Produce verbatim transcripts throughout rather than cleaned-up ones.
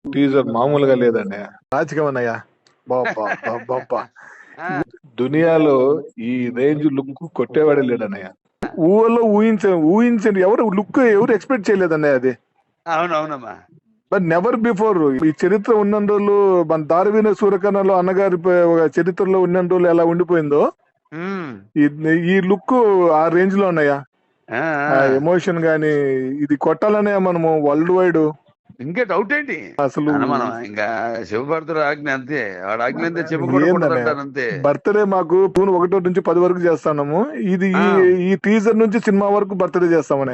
Teaser మామూలుగా లేదండి. రాజకీయం అన్నయ్య బాబా బాబా దునియాలో ఈ రేంజ్ లుక్ కొట్టేవాడే లేడన్నయ్య. ఊహలో ఊహించ ఊహించండి ఎవరు లుక్ ఎవరు ఎక్స్పెక్ట్ చేయలేదన్నయ్య అది. అవునవునమ్మా. బట్ నెవర్ బిఫోర్ ఈ చరిత్ర ఉన్న రోజులు మన దారవీన సూర్యకర్ణలో అన్నగారి ప- ఒక చరిత్రలో ఉన్న రోజులు ఎలా ఉండిపోయిందో ఉమ్. ఈ- ఈ లుక్ ఆ రేంజ్ లో ఉన్నాయా. ఆ, ఆ ఆ. ఎమోషన్ గాని ఇది కొట్టాలనే మనము వరల్డ్ వైడ్ ఇంకా డౌట్ ఏంటి అసలు అన్న మనం ఇంకా శివభారతుడు ఆజ్ఞ అంతే, వాడు ఆజ్ఞ అంతే చెప్పకూడదు అంటారు అంతే. బర్త్డే మాకు జూన్ ఒకటో నుంచి పది వరకు చేస్తున్నాము. ఇది ఈ ఆ. ఈ టీజర్ నుంచి సినిమా వరకు బర్త్డే చేస్తామనే.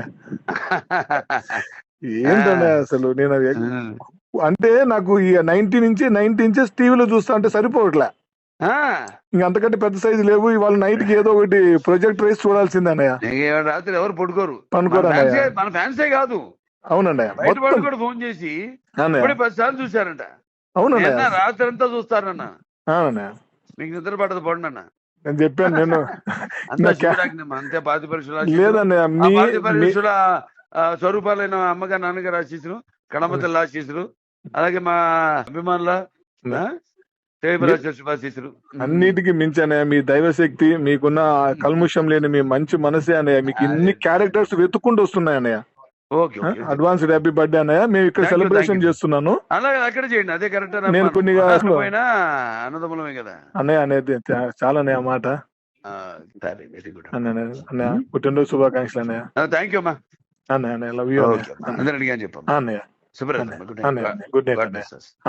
ఏంటనే అసలు నేను ఉమ్. అంటే నాకు ఈ నైన్టీ నుంచి నైన్టీ ఇంచెస్ టీవీలో చూస్తా అంటే సరిపోవట్లే. ఆ. ఇంక అంతకంటే పెద్ద సైజు లేవు. ఇవాళ నైట్ కి ఏదో ఒకటి ప్రొజెక్ట్ రైస్ చూడాల్సిందే అన్నయ్య. ఇంక ఇవాళ రాత్రి ఎవరు పడుకోరు. పనుకోరు మన అన్నయ్య. ఫ్యాన్సే మన ఫ్యాన్సే కాదు, అవునన్నయ్య బయట మొత్తం వాళ్ళు కూడా ఫోన్ చేసి అన్నయ్య. ఇప్పుడే పది సార్లు చూశారంట. అవునన్నయ్య నిన్న రాత్రి అంతా చూస్తారన్న. అవునన్నయ్య మీకు నిద్ర పడదు పోండి అన్న. నేను చెప్పాను నేను అంతా నా క్యా- శివుడాజ్ఞ అంతే. పాతి పరీక్షలు లేదన్నయ్య ఆ మీ పాతి మీ- పరీక్షల స్వరూపాలైన అమ్మగారు నాన్నగారు ఆశీస్సులు, కడమతల్లి ఆశీస్సులు, అలాగే మా అభిమానుల శుభాశీస్సులు. అన్నిటికీ మించి అన్నయ్య మీ దైవశక్తి, మీకున్న ఆ కల్ముషం లేని మీ మంచి మనసే అన్నయ్య. మీకు ఇన్ని క్యారెక్టర్స్ వెతుక్కుంటూ వస్తున్నాయి అన్నయ్య. Okay okay. Advanced happy birthday అన్నయ్య. మేము ఇక్కడ Thank you, celebration thank you. చేస్తున్నాను అలాగే అక్కడ చేయండి, అదే కరెక్ట్. నేను కొన్ని అసలు- పోయినా అన్నదమ్ములమే కదా. అన్నయ్య అనేది చా- చాలా అన్నయ్య ఆ మాట. సరే, వెరీ గుడ్ అన్నయ్య అన్నయ్య పుట్టినరోజు శుభాకాంక్షలు అన్నయ్య. థ్యాంక్ యూ అమ్మా. అన్నయ్య అన్నయ్య లవ్ యూ ఓకే అమ్మా, అందరినీ అడిగాను చెప్పమ్మా. అన్నయ్య. శుభ్రత. అన్నయ్య గుడ్ అన్నయ్య నైట్. గుడ్ నైట్ గాడ్ అన్నయ్య. Bless us.